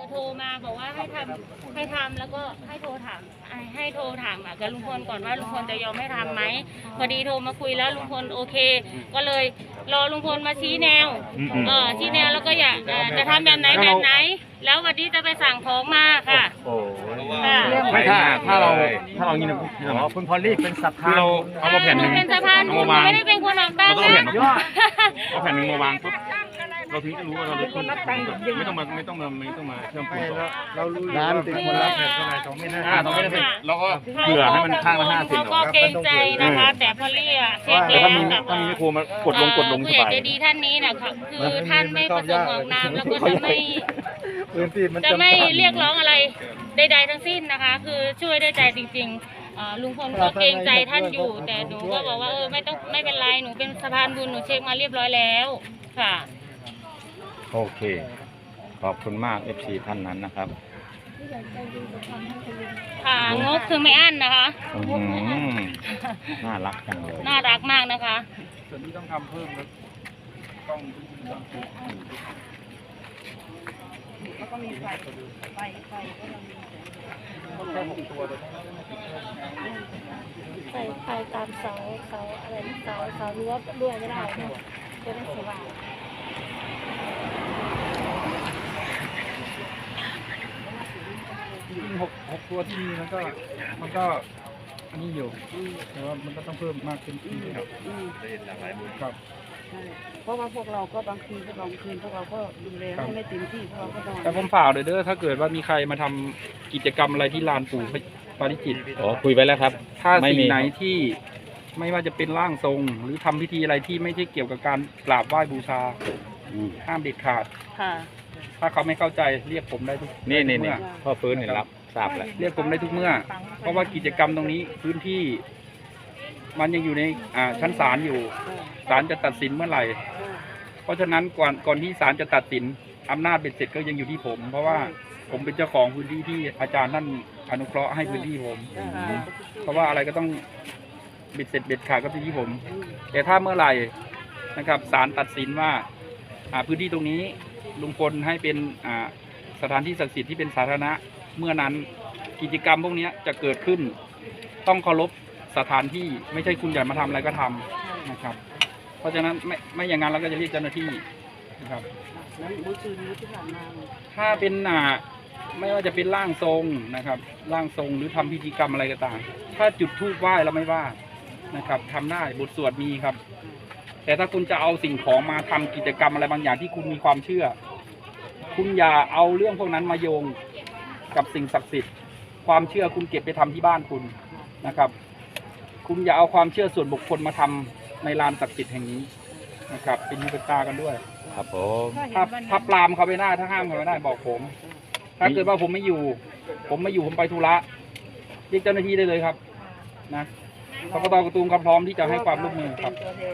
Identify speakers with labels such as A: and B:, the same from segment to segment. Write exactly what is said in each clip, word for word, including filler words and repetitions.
A: โทรมาบอกว่าให้ทำให้ทำแล้วก็ให้โทรถามให้โทรถามกับลุงพลก่อนว่าลุงพลจะยอมให้ทำไหมพอดีโทรมาคุยแล้วลุงพลโอเคก็เลยรอลุงพลมาชี้แนวเออชี้แนวแล้วก็อยากจะทำแบบไหนแบบไหนแล้ววันนี้จะไปสั่งของมาค่ะ
B: โอ้
C: ไม่ถ้าถ้าเราถ้าเรางี้นะคุณพอลลี่เป็นสัพพานเราเอามาแผ่นหนึ่ง
A: เป็นสะพานบุญไม่ได้เป็นคนออกตังค์นะ
C: เอาแผ่นหนึ่งมาวางปุ๊บเราถึงจะรู้ว่าเราเป็นคนไม่ต้องมาไม่ต้องมาไม่ต้องมาเชื่อมปูน
B: เรารู้ร้านเป็นคนรับแผ่นเท่าไหร่สองไม่ห้า
C: สองไม่ได้เราก็เผื่อให้มันข้างละห้าสิบ
A: เขาก็เกรงใจนะคะแต่พอเรียกเช็คแล้วกับ
C: ถ้ามีไม่โคมากดลงกดลงส
A: ผู้ใหญ่
C: บาย
A: ใจดีท่านนี้นะคะคือท่านไม่ประสงค์ออกนามแล้วก็จะไม่จะไม่เรียกร้องอะไรใดๆทั้งสิ้นนะคะ คือช่วยด้วยใจจริงๆลุงพลก็เกรงใจท่านอยู่แต่หนูก็บอกว่าเออไม่ต้องไม่เป็นไรหนูเป็นสะพานบุญหนูเช็คมาเรียบร้อยแล้วค่ะ
C: โอเคขอบคุณมาก เอฟ ซี ท่านนั้นนะครับ
A: ค่ะงบคือไม่อั้นนะคะ
C: น่ารักจังเลย
A: น่ารักมากนะคะ
B: ส่วนนี้ต้องทำเพิ่มแล้วต้องแล้วก็มีไฟไฟไฟก็ต้องมีต้องแค่หกตัวเลย
A: ใส่ไฟตามเสาเสาอะไรเสาเสารั้วรั้วไม่ได้นะจะได้สว่าง
B: จริงๆหกหกตัวที่มีมันก็มันก็อันนี้อยู่แต่ว่ามันก็ต้องเพิ่มมากขึ้นครับครับ
D: เพราะว่าพวกเราก็บางคืนพวกเราคืนพวกเราก็ดูแลให้ไม่เต็มที่พวกเราก็นอน
B: แต่ผมฝากเลยเด้อถ้าเกิดว่ามีใครมาทำกิจกรรมอะไรที่ลานปู่ปาริจิต
C: อ๋อคุยไปแล้วครับ
B: ถ้าสิ่งไหนที่ไม่ว่าจะเป็นร่างทรงหรือทำพิธีอะไรที่ไม่ใช่เกี่ยวกับการกราบไหว้บูชาห้ามเด็ดขาดถ้าเขาไม่เข้าใจเรียกผมได้ทุก
C: นี่นี่นี่พ่อฟื้นเห็นรับทราบแล้ว
B: เรียกผมได้ทุกเมื่อเพราะว่ากิจกรรมตรงนี้พื้นที่มันยังอยู่ในชั้นศาลอยู่ศาลจะตัดสินเมื่อไหร่เพราะฉะนั้นก่อนก่อนที่ศาลจะตัดสินอำนาจเบ็ดเสร็จก็ยังอยู่ที่ผมเพราะว่าผมเป็นเจ้าของพื้นที่ที่อาจารย์ท่านอนุเคราะห์ให้พื้นที่ผมเพราะว่าอะไรก็ต้องเบ็ดเสร็จเบ็ดขาดก็ที่ผม แต่ถ้าเมื่อไหร่นะครับศาลตัดสินว่าพื้นที่ตรงนี้ลุงพลให้เป็นสถานที่ศักดิ์สิทธิ์ที่เป็นสาธารณะเมื่อนั้นกิจกรรมพวกนี้จะเกิดขึ้นต้องเคารพสถานที่ไม่ใช่คุณอยากมาทำอะไรก็ทำนะครับเพราะฉะนั้นไม่ไม่อย่างนั้นเราก็จะเรียกเจ้าหน้าที่นะครับถ้าเป็นอ่าไม่ว่าจะเป็นร่างทรงนะครับร่างทรงหรือทำพิธีกรรมอะไรก็ตามถ้าจุดธูปไหว้เราไม่ว่านะครับทำได้บทสวดมีครับแต่ถ้าคุณจะเอาสิ่งของมาทำกิจกรรมอะไรบางอย่างที่คุณมีความเชื่อคุณอย่าเอาเรื่องพวกนั้นมาโยงกับสิ่งศักดิ์สิทธิ์ความเชื่อคุณเก็บไปทำที่บ้านคุณนะครับคุณอย่าเอาความเชื่อส่วนบุคคลมาทำในลานศักดิ์สิทธิ์แห่งนี้นะครับเป็นหูเป็นตากันด้วย
C: ครับผม
B: ถ้าถ้าปรามเขาไม่ได้ถ้าห้ามเขาไม่ได้บอกผมถ้าเกิดว่าผมไม่อยู่ผมไม่อยู่ผมไปธุระเรียกเจ้าหน้าที่ได้เลยครับนะกกต.กระตูมก็พร้อมที่จะให้ความร่วมมือครับ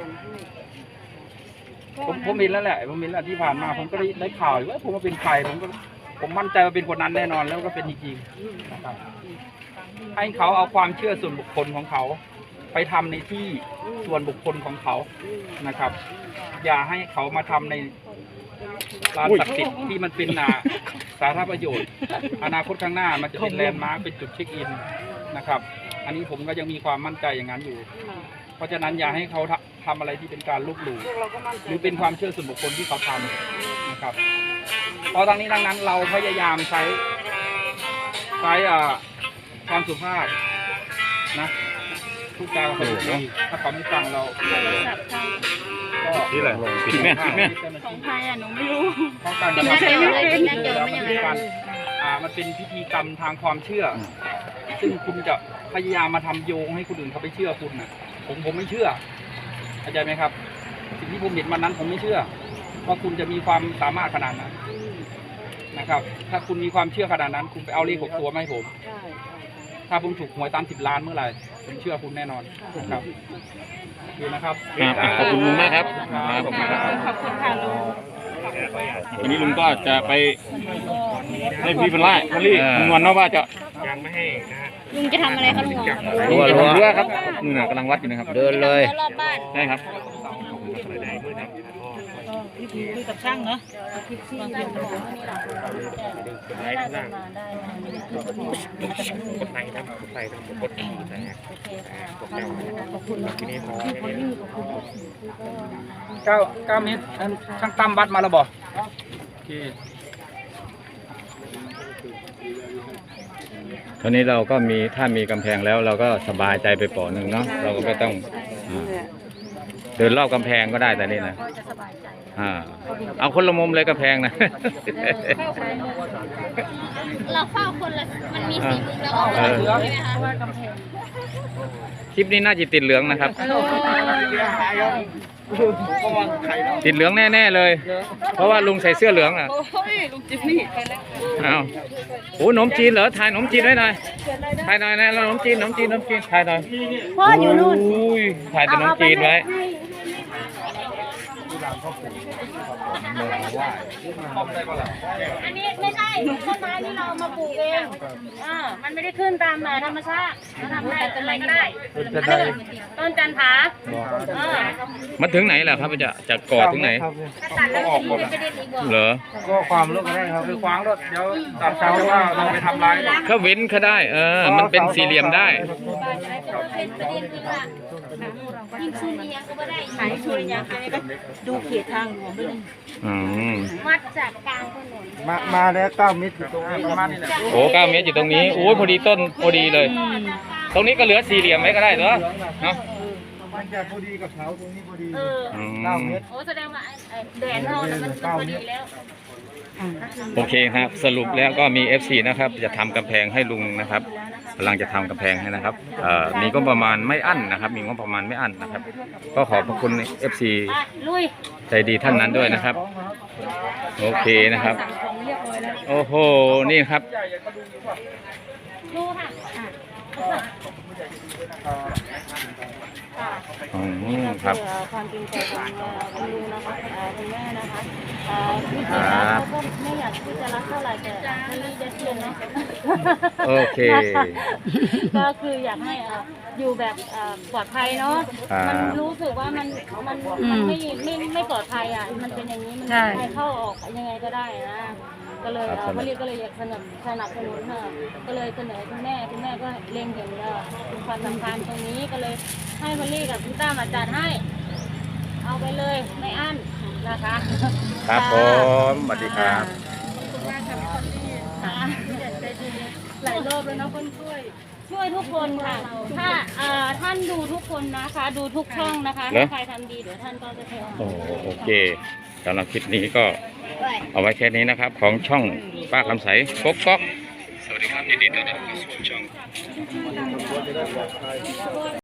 B: ผมผมเห็นแล้วแหละผมเห็นแล้วที่ผ่านมาผมก็ได้ได้ข่าวว่าผมว่าเป็นใครผมก็ผมมั่นใจว่าเป็นคนนั้นแน่นอนแล้วก็เป็นจริงๆนะครับให้เขาเอาความเชื่อส่วนบุคคลของเขาไปทำในที่ส่วนบุคคลของเขานะครับอย่าให้เขามาทำในลานศักดิ์สิทธิ์ที่มันเป็นสาธารณประโยชน์อนาคตข้างหน้ามันจะเป็นแลนด์มาร์คเป็นจุดเช็คอินนะครับอันนี้ผมก็ยังมีความมั่นใจอย่างนั้นอยู่เพราะฉะนั้นอย่าให้เขาทำอะไรที่เป็นการลบหลู่หรือเป็นความเชื่อส่วนบุคคลที่เขาทำนะครับเพราะทั้งนี้ทั้งนั้นเราพยายามใช้ใช้ความสุภาพนะพูดจาเขาดีถ้าเขาไม่ฟังเราก็
C: นี่แหละผิดแม่ผิดแม่
A: ของใครอ่ะหนูไม่รู้
B: เพราะการกระทำการอ่ามันเป็นพิธีกรรมทางความเชื่อซึ่งคุณจะพยายามมาทำโยงให้คนอื่นเขาไปเชื่อคุณนะผมผมไม่เชื่อเข้าใจไหมครับสิ่งที่ผมเห็นวันนั้นผมไม่เชื่อว่าคุณจะมีความสามารถขนาดนั้นนะครับถ้าคุณมีความเชื่อขนาดนั้นคุณไปเอาเลขหกตัวมาให้ผมถ้าผมถูกหวยตามสิบล้านเมื่อไหร่ผมเชื่อคุณแน่นอนนะครับดีนะครับ
C: ขอบคุณลุงมากครับ
A: ขอบคุณค่ะลุง
C: วันนี้ลุงก็จะไปให้พี่เป็นไล่พอลี่ลุงวันว่าจะยังไม่ให้นะฮะ
A: ลุงจะทำอะไรครับลุง
C: ลุงจะทำเรือครับนู่นน่ะกำลังวัดอยู่นะครับเดินเลย
A: รอบบ้าน
C: ใช่ครับ
A: คุยกับช่างเนาะไม่น่าจะมาได้นะ
C: กดไลค์นะกดไลค์นะกดแชร์นะ
A: โอเคค่ะ
C: กดแล้วขอบคุณที่นี่พอ
B: เก้าเก้าเมตรอันช่างตั้มวัดมาแล้วบอกโอเค
E: ตอนนี้เราก็มีถ้ามีกำแพงแล้วเราก็สบายใจไปเปาะหนึ่งเนาะเราก็ไม่ต้องอ่าเดินรอบกำแพงก็ได้แต่นี่นะอ่าเอาคนละมุมเลยกำแพงนะ
A: เราเฝ้าคนละมันมีสีมุมแล้วออก
E: เออ
A: ใช่ไหมคะ
E: คลิปนี้น่าจะติดเหลืองนะครับ ติดเหลืองแน่ๆเลย เพราะว่าลุงใส่เสื้อเหลืองอ่ะ
D: โอ้ยลุงจิมมี่ไปแล้ว
E: เอาโอ้หนมจีนเหรอถ่ายหนมจีนไว้หน่อยถ่ายหน่อยนะหนมจีนหนมจีนหนมจีนถ่ายหน่อย
A: พ่ออยู่นู่น
E: อุ้ยถ่ายแต่หนมจีนไว้
A: อันนี้ไม่ใช่ต้นไม้ที่เรามาปลูกเองอ่ามันไม่ได้ขึ้นตามธรรมชาติเราทำได้ต้นอะไรก็ได้ต้นจันทราเออ
E: มันถึงไหนล่ะครับจะจะก่อถึงไหน
A: ถ้าตัดแล้วมันจะไม่ได้ดีกว่า
E: เหรอ
B: ก็ความเลิกก็ได้ครับคือขวางรถเดี๋ยวตัดเช้าว่าเราไปทำลาย
E: เขาเว้นเขาได้ เออ มันเป็นสี่เหลี่ยมได้
A: เป็นประเด็นคือว่ายิ่งชูเนียก็ไม่ได้ไหนชูเนียก็ไม่ได้
D: ดูเขตทางหลวงด้วย
E: อืม
A: วัดจากกลางถนน
B: มามาแล้วเก้าเมตรอยู่ตรงนี้ประมาณนี้แหละ
E: โอ้เก้าเมตรอยู่ตรงนี้โอ้ยพอดีต้นพอดีเลย ตรงนี้ก็เหลือสี่เหลี่ยมไว้ก็ได้เหรอเนาะ
B: มันจะพอดีกับเสาตรงนี้พอดี
A: เออ
E: อื
B: เก้าม เมตร
A: โอ้แสดงว่าไอ้ไอ้แดนเราเนี่ยมันพอดีแล้ว
E: โอเคครับ สรุปแล้วก็มี เอฟ ซี นะครับ จะทำกำแพงให้ลุงนะครับกำลังจะทำกำแพงให้นะครับเอ่อมีก็ประมาณไม่อั้นนะครับ มีก็ประมาณไม่อั้นนะครับ ก็ขอบพระคุณ เอฟ ซี
A: อ่ะลุย
E: ใจดีท่านนั้นด้วยนะครับ โอเคนะครับ โอ้โห นี่ครับ
A: ดูค่ะอ่ะ
E: อืมครับ
A: เพื่อความจริงใจของเอ่อคุณลุงนะคะเอ่อคุณแม่นะคะเอ่อที่จริงแล้วเขาก็ไม่อยากที่จะรักเท่าไหร่แต่มันมีจะเทียนเนาะ
E: โอเค
A: ก็คืออยากให้เอ่ออยู่แบบเอ่อปลอดภัยเนาะ
E: ครับ
A: มันรู้สึกว่ามันมันมันไม่ไม่ไม่ปลอดภัยอ่ะมันเป็นอย่างนี้มันใครเข้าออกยังไงก็ได้นะก็เลยเอ่อมะลิก็เลยอยากสนับสนับสนุนค่ะก็เลยเสนอคุณแม่คุณแม่ก็เล็งเห็นเอ่อความสำคัญตรงนี้ก็เลยให้มะลิกับคุณต้ามาจัดให้ เอาไปเลยไม่อั้นนะคะ
E: ครับผมสวัสดีครับ
A: ค่ะหลายรอบแล้วนะคนช่วย ช่วยทุกคนค่ะ ถ้าเอ่อท่านดูทุกคนนะคะ ดูทุกช่องนะคะ
E: เหรอ
A: ถ้าใครทำดีเดี๋ยวท่านก็จะเท
E: โอ้โอเคสำหรับคลิปนี้ก็เอาไว้แค่นี้นะครับ ของช่องป้าคำใสก๊กก๊อกสวัสดีครับยินดีต้อนรับเข้าสู่ช่อง